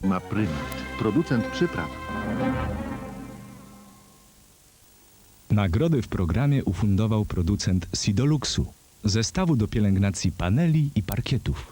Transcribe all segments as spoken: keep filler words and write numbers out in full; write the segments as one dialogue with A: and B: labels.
A: Ma Prymat, producent przypraw.
B: Nagrody w programie ufundował producent Sidoluxu, zestawu do pielęgnacji paneli i parkietów.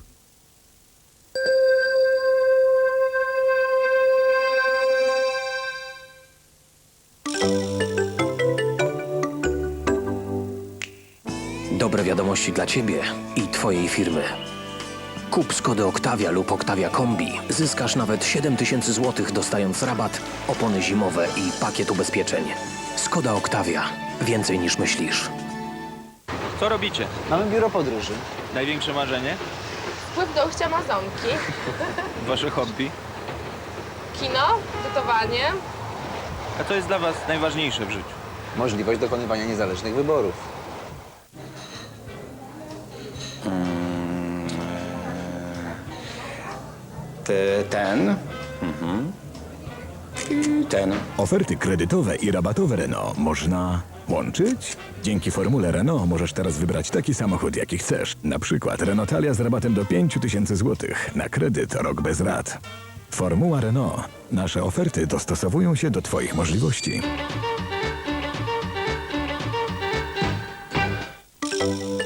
C: Dobre wiadomości dla Ciebie i Twojej firmy. Kup Skodę Octavia lub Octavia Kombi. Zyskasz nawet siedem tysięcy złotych, dostając rabat, opony zimowe i pakiet ubezpieczeń. Skoda Octavia. Więcej niż myślisz.
D: Co robicie?
E: Mamy biuro podróży.
D: Największe marzenie?
F: Wpływ do ujścia Amazonki,
D: Wasze hobby?
F: kino, gotowanie.
D: A co jest dla was najważniejsze w życiu?
E: Możliwość dokonywania niezależnych wyborów.
G: Ty, ten. Mhm. I ten.
H: Oferty kredytowe i rabatowe Renault można łączyć? Dzięki formule Renault możesz teraz wybrać taki samochód, jaki chcesz. Na przykład Renault Talia z rabatem do pięć tysięcy złotych. Na kredyt rok bez rat. Formuła Renault. Nasze oferty dostosowują się do Twoich możliwości.